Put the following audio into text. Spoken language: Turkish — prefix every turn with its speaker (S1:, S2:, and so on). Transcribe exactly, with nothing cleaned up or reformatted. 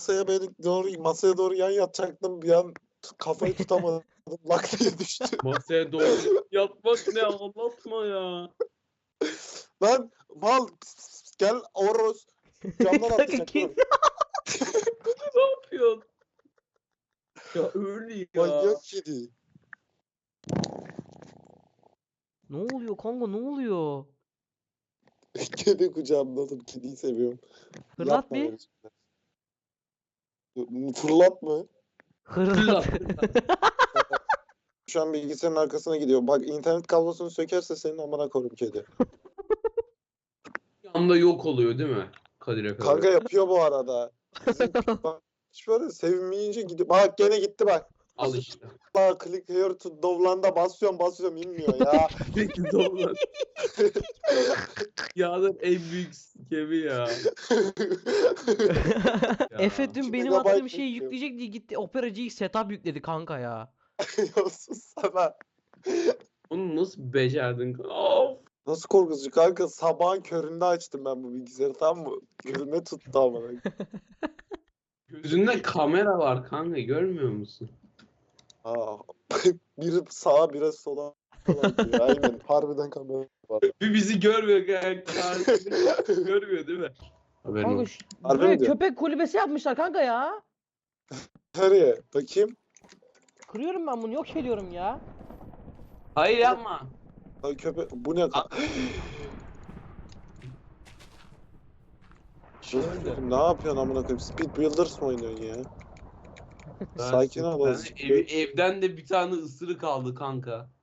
S1: masaya beni doğru masaya doğru yan yatacaktım. Bir an t- kafayı tutamadım. Lak diye düştü.
S2: Masaya doğru yatmak ne, anlatma ya.
S1: Lan mal pis, pis, pis, gel Oros. Camdan
S3: Kanka
S1: atlayacak.
S3: kim?
S1: Dur.
S2: Ne yapıyorsun? Ya öyle ya.
S1: Manyak kedi.
S3: Ne oluyor kanka, ne oluyor?
S1: Kedi kucağımda oğlum. Kediyi seviyorum.
S3: Fırlat
S1: Yapma
S3: bir.
S1: böyle şeyler. Fırlat mı?
S3: Hırlat.
S1: Şu an bilgisayarın arkasına gidiyor. Bak internet kablosunu sökerse senin amına koyayım kedi.
S2: Bir anda yok oluyor değil mi? Kadir Efe.
S1: Kanka yapıyor bu arada. Bizim bak şöyle sevinmeyince gidiyor. Bak gene gitti bak.
S2: Al işte.
S1: Bak click here to dovlan'da basıyorum basıyorum inmiyor ya.
S2: Peki doğru. Yağdır en büyük skemi ya.
S3: Efe dün
S1: iki
S3: benim
S1: megabayt
S3: attığım şeyi
S1: bekliyor.
S3: yükleyecek diye gitti Opera G X setup yükledi kanka ya.
S1: Ya sus sana.
S2: Onu nasıl becerdin? Of.
S1: Nasıl korkutucu kanka, sabahın köründe açtım ben bu bilgisayarı, tamam mı? Gözüme tuttu amına.
S2: Gözünde kamera var kanka, görmüyor musun?
S1: Aa, biri sağa biri sola bakıyor. Aynen harbiden kamera var.
S2: Bir bizi görmüyor kanka. Görmüyor değil mi? Haberin
S3: Kanka
S2: olsun.
S3: şu,
S1: Harbi
S3: buraya
S1: mi diyor?
S3: köpek kulübesi yapmışlar kanka ya.
S1: Nereye? Bakayım.
S3: Kırıyorum ben bunu, yok ediyorum ya.
S2: Hayır yapma.
S1: Ay köpek bu ne ka- Şey, ne yapıyorsun amına koyayım? Speed Builders mı oynuyorsun ya?
S2: Ben-
S1: Sakin ol
S2: ben
S1: azıcık.
S2: ev- evden de bir tane ısırık aldı kanka.